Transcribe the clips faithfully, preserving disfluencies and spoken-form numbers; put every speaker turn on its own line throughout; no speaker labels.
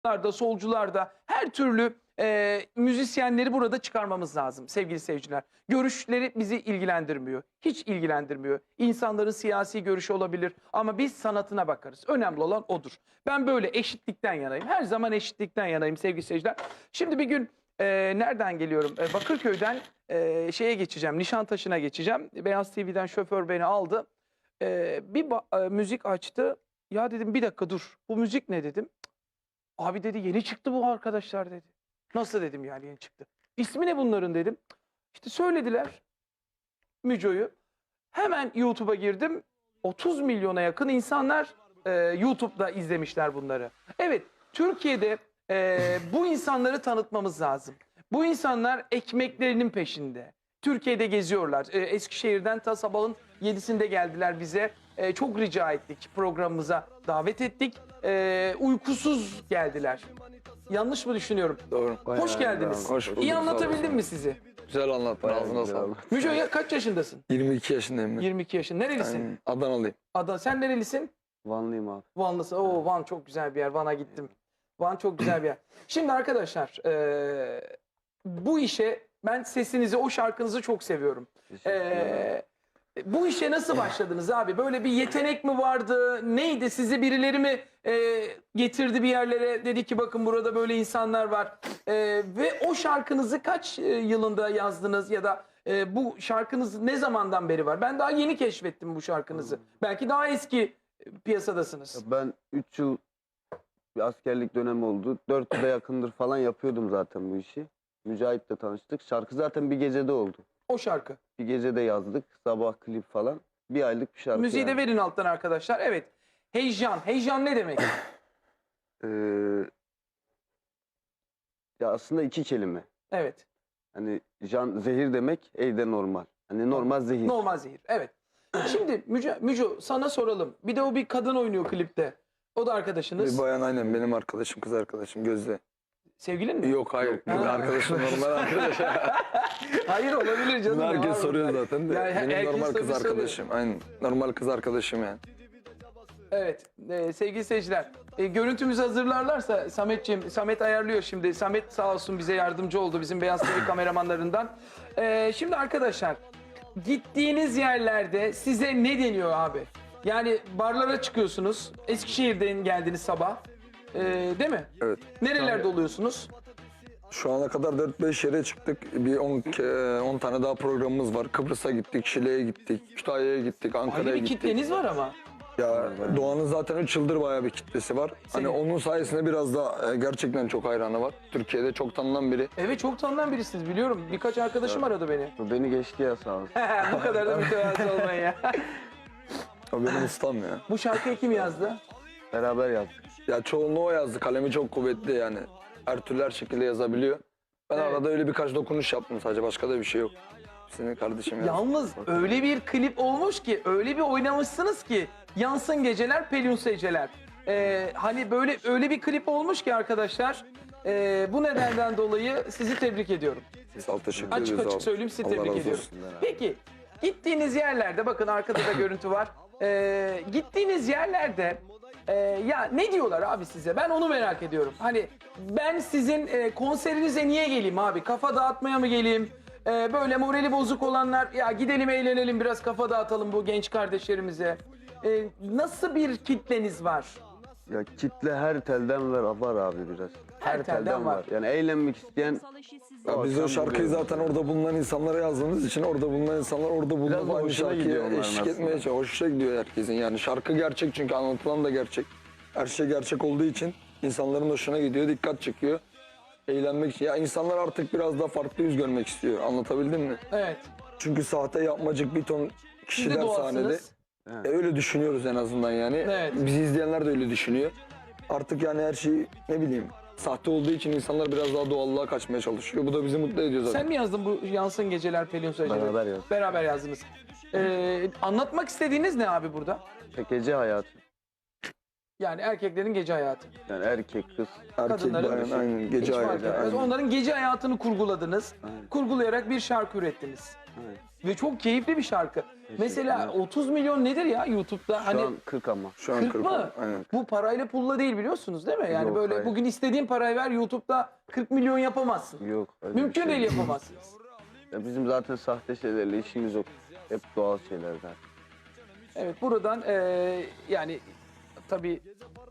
da, solcular da her türlü e, müzisyenleri burada çıkarmamız lazım sevgili seyirciler. Görüşleri bizi ilgilendirmiyor. Hiç ilgilendirmiyor. İnsanların siyasi görüşü olabilir ama biz sanatına bakarız. Önemli olan odur. Ben böyle eşitlikten yanayım. Her zaman eşitlikten yanayım sevgili seyirciler. Şimdi bir gün e, nereden geliyorum? E, Bakırköy'den e, şeye geçeceğim. Nişantaşı'na geçeceğim. Beyaz T V'den şoför beni aldı. E, bir e, müzik açtı. Ya dedim bir dakika dur. Bu müzik ne dedim. Abi dedi yeni çıktı bu arkadaşlar dedi. Nasıl dedim yani yeni çıktı. İsmi ne bunların dedim. İşte söylediler Müco'yu. Hemen YouTube'a girdim. otuz milyona yakın insanlar e, YouTube'da izlemişler bunları. Evet, Türkiye'de e, bu insanları tanıtmamız lazım. Bu insanlar ekmeklerinin peşinde. Türkiye'de geziyorlar. E, Eskişehir'den ta sabahın yedisinde geldiler bize. E, çok rica ettik, programımıza davet ettik. E, uykusuz geldiler. Yanlış mı düşünüyorum?
Doğru.
Hoş geldiniz.
Hoş bulduk.
İyi
Sağ
anlatabildim
olasın.
mi sizi?
Güzel anlattın. Ağzına sağlık.
Müco ya kaç yaşındasın?
yirmi iki yaşındayım ben.
yirmi iki yaşın. Nerelisin?
Yani Adanalıyım.
Adana. Sen nerelisin?
Vanlıyım abi.
Vanlısı. Oo, Van çok güzel bir yer. Van'a gittim. Van çok güzel bir yer. Şimdi arkadaşlar eee, bu işe ben sesinizi, o şarkınızı çok seviyorum. Eee, bu işe nasıl başladınız abi? Böyle bir yetenek mi vardı? Neydi? Sizi birileri mi eee, getirdi bir yerlere? Dedi ki bakın burada böyle insanlar var. Eee, ve o şarkınızı kaç e, yılında yazdınız ya da e, bu şarkınız ne zamandan beri var? Ben daha yeni keşfettim bu şarkınızı. Belki daha eski e, piyasadasınız.
Ben üç yıl bir askerlik dönemi oldu. dört yıla yakındır falan yapıyordum zaten bu işi. Mücahit'le tanıştık. Şarkı zaten bir gecede oldu.
O şarkı.
Bir gecede yazdık. Sabah klip falan. Bir aylık bir şarkı.
Müziği de
yani.
verin alttan arkadaşlar. Evet. Heyecan. Heyecan ne demek?
Ee, ya aslında iki kelime.
Evet.
Hani can zehir demek, evde normal. Hani normal zehir.
Normal zehir. Evet. Şimdi Müco, Müco sana soralım. Bir de o bir kadın oynuyor klipte. O da arkadaşınız.
Bir bayan aynen benim arkadaşım, kız arkadaşım Gözde.
Sevgilin mi?
Yok hayır.
Yok.
Benim
Ha.
arkadaşım normal arkadaş.
Hayır olabilir canım.
Bunu
ne var
herkes soruyor
bunda?
zaten de.
Yani her-
benim
herkes
normal
tabii
kız
soruyor.
arkadaşım. Aynen. Normal kız arkadaşım yani.
Evet e, sevgili seyirciler e, görüntümüzü hazırlarlarsa Sametciğim, Samet ayarlıyor şimdi. Samet sağ olsun bize yardımcı oldu bizim Beyaz T V kameramanlarından. E, şimdi arkadaşlar gittiğiniz yerlerde size ne deniyor abi? Yani barlara çıkıyorsunuz. Eskişehir'den geldiniz sabah. E, değil mi?
Evet.
Nerelerde oluyorsunuz?
Şu ana kadar dört beş yere çıktık. Bir on tane daha programımız var. Kıbrıs'a gittik, Şile'ye gittik, Kütahya'ya gittik,
Ayrı
Ankara'ya
bir
gittik.
kitleniz var ama.
Ya Doğan'ın zaten üç yıldır bayağı bir kitlesi var.
Senin.
Hani onun sayesinde biraz da e, gerçekten çok hayranı var. Türkiye'de çok tanınan biri.
Evet çok tanınan birisiniz biliyorum. Birkaç arkadaşım aradı beni.
Bu beni geçti ya sağ olsun.
Bu kadar da mütevazı olmayın ya.
O benim ustam ya.
Bu şarkıyı kim yazdı?
Beraber yaptık.
Ya çoğunluğu o yazdı. Kalemi çok kuvvetli yani. Her türlü her şekilde yazabiliyor. Ben
Evet.
arada öyle birkaç dokunuş yaptım sadece. Başka da bir şey yok. Senin kardeşim yazdı.
Yalnız öyle bir klip olmuş ki, öyle bir oynamışsınız ki yansın geceler, pelin geceler. Ee, hani böyle öyle bir klip olmuş ki arkadaşlar. ee, bu nedenden dolayı sizi tebrik ediyorum.
Sağ ol, teşekkür
Açık
ediyoruz
açık
abi.
söyleyeyim sizi
Allah
tebrik
razı
ediyorum.
olsun.
Peki gittiğiniz yerlerde bakın arkada da görüntü var. Ee, gittiğiniz yerlerde e, ya ne diyorlar abi size? Ben onu merak ediyorum. Hani ben sizin e, konserinize niye geleyim abi? Kafa dağıtmaya mı geleyim? Ee, böyle morali bozuk olanlar ya gidelim eğlenelim biraz kafa dağıtalım bu genç kardeşlerimize. Ee, nasıl bir kitleniz var?
Ya kitle her telden var, var abi biraz.
Her telden var.
Yani eğlenmek isteyen
Ya biz o
akşam
şarkıyı
buluyoruz
zaten
yani.
orada bulunan insanlara yazdığımız için orada bulunan insanlar orada
Biraz
bulunan
da
aynı
hoşuna gidiyor
şarkıya
onların
eşlik
aslında.
etmeye çalışıyor. Hoşuna gidiyor herkesin yani. Şarkı gerçek çünkü anlatılan da gerçek. Her şey gerçek olduğu için insanların hoşuna gidiyor, dikkat çekiyor. Eğlenmek için. Ya insanlar artık biraz daha farklı yüz görmek istiyor. Anlatabildim mi?
Evet.
Çünkü sahte yapmacık bir ton
Siz
kişiler
de
sahnede.
doğalsınız.
E, öyle düşünüyoruz en azından yani.
Evet.
Bizi izleyenler de öyle düşünüyor. Artık yani her şey ne bileyim sahte olduğu için insanlar biraz daha doğallığa kaçmaya çalışıyor. Bu da bizi mutlu ediyor zaten.
Sen mi yazdın bu yansın geceler pelin geceler?
Beraber yazdık.
Beraber yazdınız. Ee, anlatmak istediğiniz ne abi burada?
Gece hayatı.
Yani erkeklerin gece hayatı.
Yani erkek, kız.
Erkek
kadınların-
bayan aynen
Hiç
gece
fark
hayatı.
etmez.
aynen.
Onların gece hayatını kurguladınız.
Aynen.
Kurgulayarak bir şarkı ürettiniz.
Aynen.
Ve çok keyifli bir şarkı. Mesela otuz milyon nedir ya YouTube'da?
Şu
Hani
an kırk ama.
Şu an
kırk
kırk
mı?
Aynen.
Bu parayla pulla değil biliyorsunuz değil mi? Yani
Yok,
böyle
hayır.
bugün istediğin parayı ver YouTube'da kırk milyon yapamazsın.
Yok. öyle bir
Mümkün
şey
değil yapamazsınız.
Ya bizim zaten sahte şeylerle işimiz yok. Hep doğal şeylerden.
Evet buradan eee, yani tabii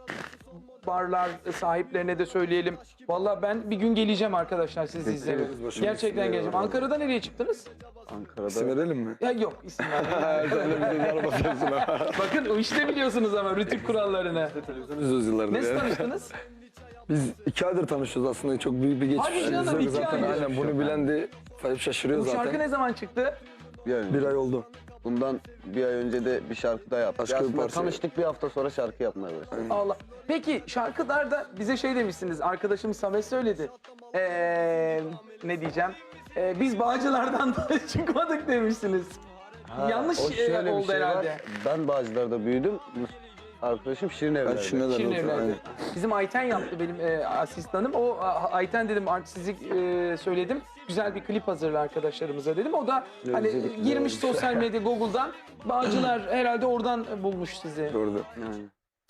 barlar sahiplerine de söyleyelim. Vallahi ben bir gün geleceğim arkadaşlar sizi izlemeye.
Bekleriz, başımız
Gerçekten
üstüne
geleceğim.
ya.
Ankara'da nereye çıktınız?
İsim
Ankara'da
verelim mi?
Ya yok isim vermeyeyim.
Sen de bize zar basıyorsun ha.
Bakın o işte biliyorsunuz ama rütük kurallarını.
Televizyon izliyoruz yıllardır
Nasıl
ya.
tanıştınız?
Biz iki aydır tanışıyoruz aslında. Çok büyük bir geçmiş.
Hadi canım, iki
zaten
ay.
aynen bunu bilen de hep şaşırıyor
Bu şarkı
zaten.
ne zaman çıktı?
yani
Bir ay oldu.
bundan bir ay önce de bir şarkı daha yaptık.
Başka bir
Aslında
parça.
tanıştık bir hafta sonra şarkı yapmaya başladık.
Allah. Peki şarkılarda bize şey demişsiniz. Arkadaşım Samet söyledi. Ee, ne diyeceğim? Ee, biz Bağcılar'dan da çıkmadık demişsiniz. Yanlış
O şöyle
e,
bir
oldu
şey var.
herhalde.
Ben Bağcılar'da büyüdüm. Arkadaşım Şirin
Ben
Evler'de.
Şirin'e
Şirin
de
evlerde. Bizim Ayten yaptı benim e, asistanım. O a, Ayten dedim artistlik e, söyledim. Güzel bir klip hazırla arkadaşlarımıza dedim. O da hani
izledik, güzel
girmiş
olmuş.
sosyal medya Google'dan. Bağcılar herhalde oradan bulmuş sizi.
Doğru.
Yani.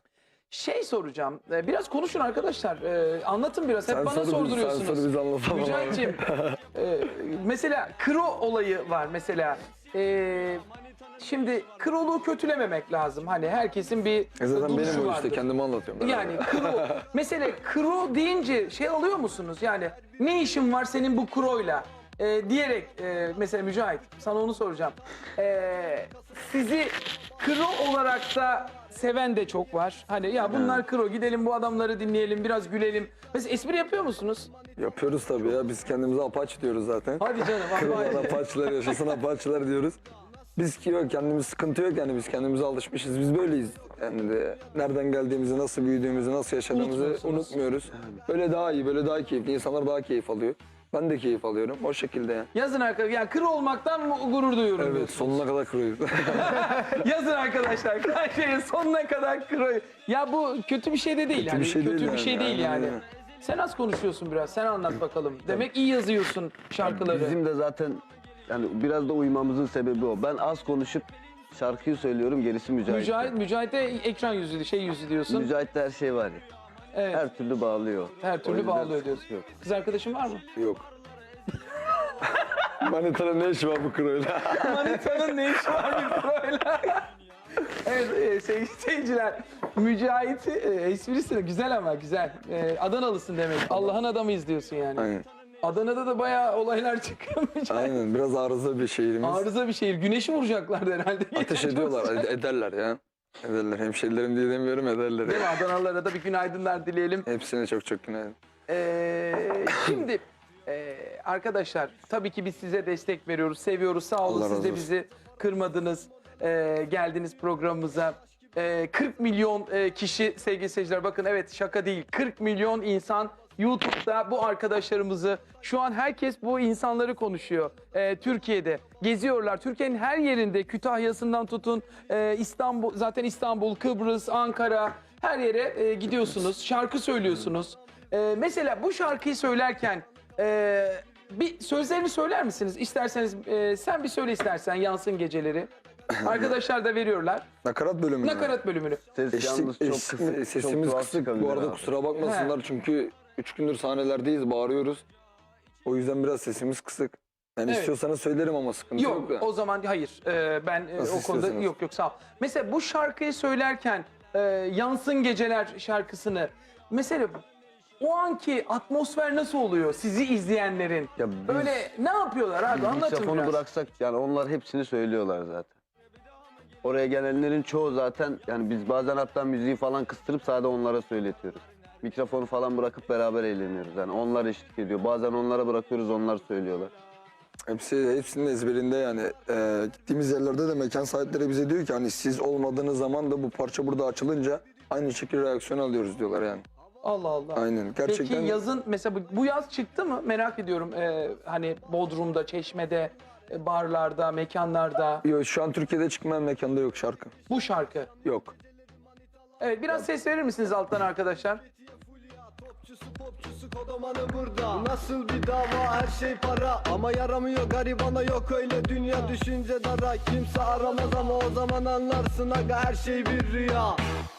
Şey soracağım. e, Biraz konuşun arkadaşlar. E, anlatın biraz. Hep
Sen
bana
soru biz-
sorduruyorsunuz.
Sen soru biz anlatalım.
Mücahit'ciğim, e, mesela kro olayı var mesela. E, şimdi kroluğu kötülememek lazım. Hani herkesin bir
E zaten
duruşu
benim o
vardır.
işte kendimi anlatıyorum. ben.
Yani kro, mesela kro deyince şey alıyor musunuz? Yani ne işin var senin bu kroyla? E, diyerek e, mesela Mücahit sana onu soracağım. E, sizi kro olarak da seven de çok var. Hani ya bunlar kro gidelim bu adamları dinleyelim biraz gülelim. Mesela espri yapıyor musunuz?
Yapıyoruz tabii ya. Biz kendimize apaç diyoruz zaten.
Hadi canım.
Kırılan
vallahi.
apaçlar yaşasın apaçlar diyoruz. Biz ki yok kendimiz sıkıntı yok yani biz kendimize alışmışız. Biz böyleyiz. Yani de nereden geldiğimizi, nasıl büyüdüğümüzü, nasıl yaşadığımızı
Unutmuyorsunuz.
unutmuyoruz. Böyle daha iyi, böyle daha keyifli. İnsanlar daha keyif alıyor. Ben de keyif alıyorum. O şekilde yani.
Yazın arkadaşlar. Yani kro olmaktan mu- gurur duyuyorum
Evet,
diyorsunuz.
sonuna kadar kırıyoruz.
Yazın arkadaşlar. Kayseri'nin sonuna kadar kroyu. Ya bu kötü bir şey de değil.
Kötü
yani.
bir şey
kötü
değil
bir
yani,
şey değil
aynen
yani.
öyle.
Sen az konuşuyorsun biraz. Sen anlat bakalım. Demek iyi yazıyorsun şarkıları.
Bizim de zaten yani biraz da uyumamızın sebebi o. Ben az konuşup şarkıyı söylüyorum, gerisi Mücahit.
Mücahit, Mücahit'e ekran yüzü, şey yüzü diyorsun.
Mücahit'te her şey var ya.
Evet. Her,
Her türlü bağlıyor.
türlü
O yüzden
bağlıyor
sıkıntı
diyorsun.
yok.
Kız arkadaşın var mı?
Yok. Manita'nın ne işi var bu kroyla?
Manitanın ne işi var bir kroyla? Evet e, sey- seyirciler. Mücahit e, esprisi de güzel ama güzel. E, Adanalısın demek. Allah'ın adamıyız diyorsun yani.
Aynen.
Adana'da da bayağı olaylar çıkıyor Mücahit.
Aynen. Biraz arıza bir şehrimiz.
Arıza bir şehir. Güneşi vuracaklardı herhalde.
Ateş
Çok
ediyorlar,
sıcak.
ed- ederler ya. Ederler. Hemşerilerim diye demiyorum, ederler.
Değil mi?
ya.
Adanalılara da bir günaydınlar dileyelim.
Hepsine çok çok günaydın.
Ee, şimdi e, arkadaşlar tabii ki biz size destek veriyoruz, seviyoruz. Sağ olun
Allah
siz
razı
de
olsun.
bizi kırmadınız, e, geldiniz programımıza. E, kırk milyon e, kişi sevgili seyirciler bakın evet şaka değil. kırk milyon insan YouTube'da bu arkadaşlarımızı şu an herkes bu insanları konuşuyor. E, Türkiye'de geziyorlar. Türkiye'nin her yerinde Kütahya'sından tutun e, İstanbul zaten İstanbul, Kıbrıs, Ankara her yere e, gidiyorsunuz. Şarkı söylüyorsunuz. E, mesela bu şarkıyı söylerken e, bir sözlerini söyler misiniz? İsterseniz e, sen bir söyle istersen yansın geceleri. Arkadaşlar da veriyorlar.
Nakarat bölümü. mü?
Nakarat bölümünü.
Ses
Eşlik,
yalnız çok
eşlik-
kısık. çok
sesimiz
tuhaf
kısık.
çıkabilir
Bu arada
abi.
kusura bakmasınlar çünkü üç gündür sahnelerdeyiz, bağırıyoruz. O yüzden biraz sesimiz kısık. Yani
Evet.
istiyorsanız söylerim ama sıkıntı yok,
Yok
da.
o zaman hayır. Ee, ben e,
Nasıl
o konuda
istiyorsanız.
yok yok sağ ol. Mesela bu şarkıyı söylerken e, Yansın Geceler şarkısını mesela o anki atmosfer nasıl oluyor sizi izleyenlerin?
Ya biz-
Böyle ne yapıyorlar abi
Biz
anlatın
mikrofonu
biraz.
bıraksak yani onlar hepsini söylüyorlar zaten. Oraya gelenlerin çoğu zaten yani biz bazen hatta müziği falan kıstırıp sadece onlara söyletiyoruz. Mikrofonu falan bırakıp beraber eğleniyoruz. Yani onlar eşlik ediyor. Bazen onlara bırakıyoruz onlar söylüyorlar.
Hepsi, hepsinin ezberinde yani. Ee, gittiğimiz yerlerde de mekan sahipleri bize diyor ki hani siz olmadığınız zaman da bu parça burada açılınca aynı şekilde reaksiyon alıyoruz diyorlar yani.
Allah Allah.
Aynen. Gerçekten
Peki yazın mesela bu- bu yaz çıktı mı? Merak ediyorum. Ee, hani Bodrum'da, Çeşme'de, e, barlarda, mekanlarda
Yok, şu an Türkiye'de çıkmayan mekanda yok şarkı.
bu şarkı.
Yok.
Evet biraz ses verir misiniz alttan arkadaşlar?
Popçusu kodamanı burada. Nasıl bir dava, her şey para ama yaramıyor garibana, yok öyle dünya düşünce dara. Kimse aramaz ama o zaman anlarsın aga, her şey bir rüya.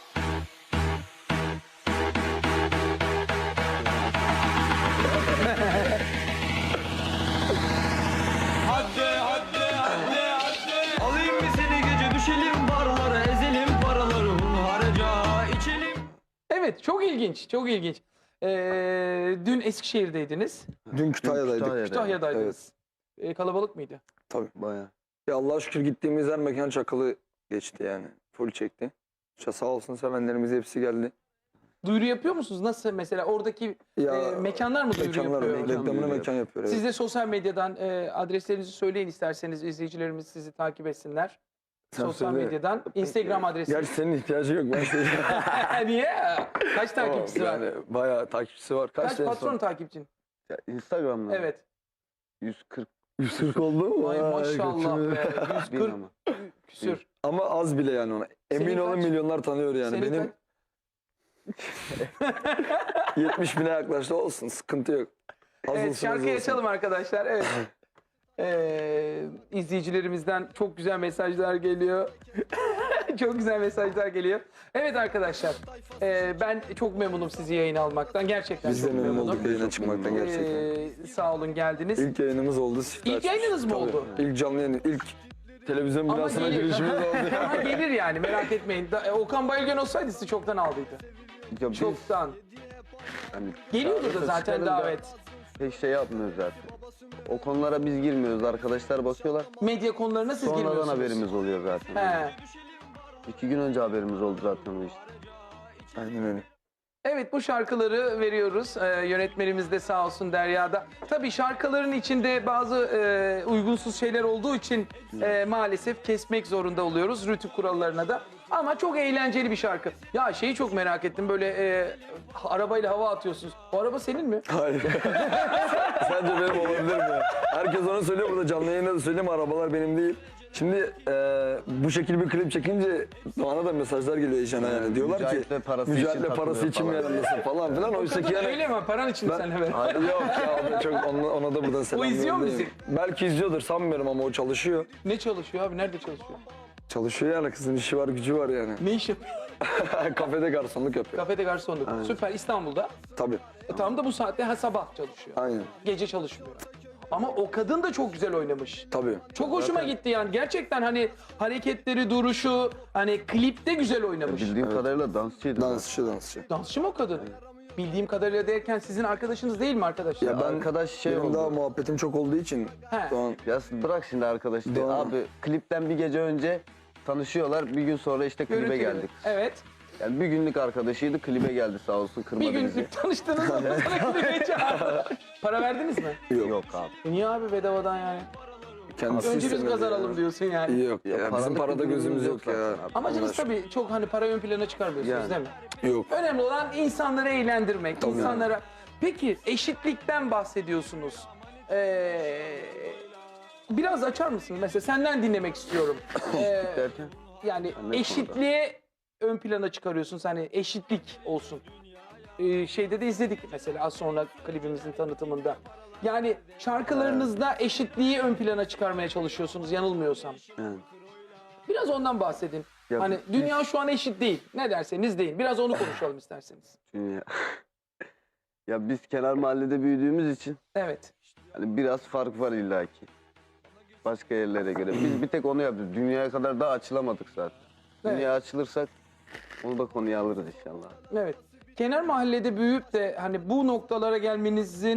Hadi hadi hadi hadi. Alayım mı seni gece, düşelim barlara, ezelim paraları hunharca, içelim.
Evet, çok ilginç, çok ilginç. Ee, dün Eskişehir'deydiniz,
Dün Kütahya'daydık.
Kütahya'da.
Kütahya'daydınız. Ee, kalabalık mıydı?
Bayağı.
Ya Allah'a şükür gittiğimiz her mekan çakılı geçti yani. Full çekti. İşte sağ olsun sevenlerimiz hepsi geldi.
Duyuru yapıyor musunuz? Nasıl mesela oradaki
Ya
e, mekanlar mı duyuru
mekanlar
yapıyor?
Mekan
reklamını
duyuru
mekan yapıyor. Evet.
Siz de sosyal medyadan e, adreslerinizi söyleyin isterseniz izleyicilerimiz sizi takip etsinler.
Sen
Sosyal
söyle.
medyadan Instagram adresi.
Gerçi senin ihtiyacı yok. Ben söyleyeyim.
Niye? Kaç takipçisi var?
Yani bayağı takipçisi var. Kaç,
Kaç
en son?
patron takipçin?
Ya Instagram'da
Evet.
yüz kırk
yüz kırk oldu mu?
Ay
Vay,
maşallah
götürme.
be.
bin
yüz kırk
ama.
küsür.
Ama az bile yani ona. Emin
Senin
olun
kaç?
milyonlar tanıyor yani.
Senin
Benim yetmiş bine yaklaştı, olsun, sıkıntı yok. Az
Evet,
olsun, az
şarkıyı
olsun.
açalım arkadaşlar. Evet. Ee, izleyicilerimizden çok güzel mesajlar geliyor. Çok güzel mesajlar geliyor. Evet arkadaşlar, ee, ben çok memnunum sizi yayına almaktan. Gerçekten
Biz de
çok
memnun
memnunum.
olduk yayına çıkmaktan gerçekten.
Ee, sağ olun geldiniz.
İlk yayınımız oldu. Siftah
İlk yayınınız mı
Tabii.
oldu?
İlk canlı yayın, ilk televizyon
Ama
binasına
gelir.
girişimiz oldu.
Ama gelir yani, merak etmeyin. Da- e, Okan Bayülgen olsaydı sizi çoktan aldıydı.
Ya biz
Çoktan.
hani
Geliyordu da
çağrısı
zaten
çıkarınca
davet.
pek şey yapmıyoruz zaten. O konulara biz girmiyoruz. Arkadaşlar bakıyorlar.
Medya konularına siz
Sonradan
girmiyorsunuz.
haberimiz oluyor zaten.
He.
İki gün önce haberimiz oldu zaten bu işte.
Aynen öyle.
Evet, bu şarkıları veriyoruz. Ee, yönetmenimiz de sağ olsun Derya'da. Tabii şarkıların içinde bazı e, uygunsuz şeyler olduğu için e, maalesef kesmek zorunda oluyoruz Rütük kurallarına da. Ama çok eğlenceli bir şarkı. Ya şeyi çok merak ettim, böyle e, arabayla hava atıyorsunuz. O araba senin mi?
Hayır. Sence benim olabilir mi? Herkes onu söylüyor, burada canlı yayında da söyleyeyim, arabalar benim değil. Şimdi e, bu şekilde bir klip çekince bana da mesajlar geliyor Eşan'a yani. Diyorlar ki
Mücahit'le parası için
Mücahit'le parası için mi
takılıyor
yanındasın falan filan. Oysa ki yani...
Öyle mi? Paran için mi
Ben-
senle beraber?
Hayır, yok ya, o da çok, ona, ona da buradan selam
izliyor mu
yollayayım. Belki izliyordur, sanmıyorum ama o çalışıyor.
Ne çalışıyor abi? Nerede çalışıyor?
Çalışıyor yani, kızın işi var, gücü var yani.
Ne iş yapıyor?
Kafede garsonluk yapıyor.
Kafede garsonluk. Süper, İstanbul'da.
Tabii.
E, tam da bu saatte ha, sabah çalışıyor.
Aynen.
Gece çalışmıyor. Ama o kadın da çok güzel oynamış.
Tabii.
Çok hoşuma gitti yani. Gerçekten hani hareketleri, duruşu, hani klipte güzel oynamış.
Bildiğim kadarıyla dansçıydı.
Dansçı, dansçı.
Dansçı mı o kadın? Bildiğim kadarıyla derken sizin arkadaşınız değil mi arkadaşlar?
Ya ben
Arkadaş şey
benim
oldu.
daha muhabbetim çok olduğu için
He.
şu an
Ya bırak şimdi arkadaşlar.
Doğru.
Abi klipten bir gece önce tanışıyorlar. Bir gün sonra işte klibe
Görüntülü.
geldik.
Evet.
Yani bir günlük arkadaşıydı, klibe geldi sağ olsun, kırmadı
Bir
bizi.
günlük tanıştınız ama sana klibe çağırdı. Para verdiniz mi?
yok.
Yok abi.
E niye abi bedavadan yani?
Kendisi
Önce biz
istemedi
kazanalım
ya.
diyorsun yani.
Yok ya,
Ya
bizim
paralık
parada
bir
gözümüz
durumumuz
yok
yok
ya.
zaten abi.
Amacınız
Allah aşkına.
tabii çok hani para ön plana çıkarmıyorsunuz
Yani.
değil mi?
Yok.
Önemli olan insanları eğlendirmek,
Tabii.
insanlara... Peki eşitlikten bahsediyorsunuz. Ee, biraz açar mısın? Mesela senden dinlemek istiyorum. Ee,
Derken?
yani
Ne
eşitliğe ön plana çıkarıyorsunuz. Hani eşitlik olsun. Ee, şeyde de izledik mesela az sonra klibimizin tanıtımında. Yani şarkılarınızda eşitliği ön plana çıkarmaya çalışıyorsunuz yanılmıyorsam.
Yani.
Biraz ondan bahsedin.
Ya
hani
biz-
dünya şu an eşit değil. Ne derseniz deyin. Biraz onu konuşalım isterseniz.
Dünya. Ya biz kenar mahallede büyüdüğümüz için
Evet.
hani biraz fark var illaki. Başka yerlere göre. Biz bir tek onu yapıyoruz. Dünyaya kadar daha açılamadık zaten.
Evet.
Dünyaya açılırsak onu da konuya alırız inşallah.
Evet. Kenar mahallede büyüyüp de hani bu noktalara gelmenizin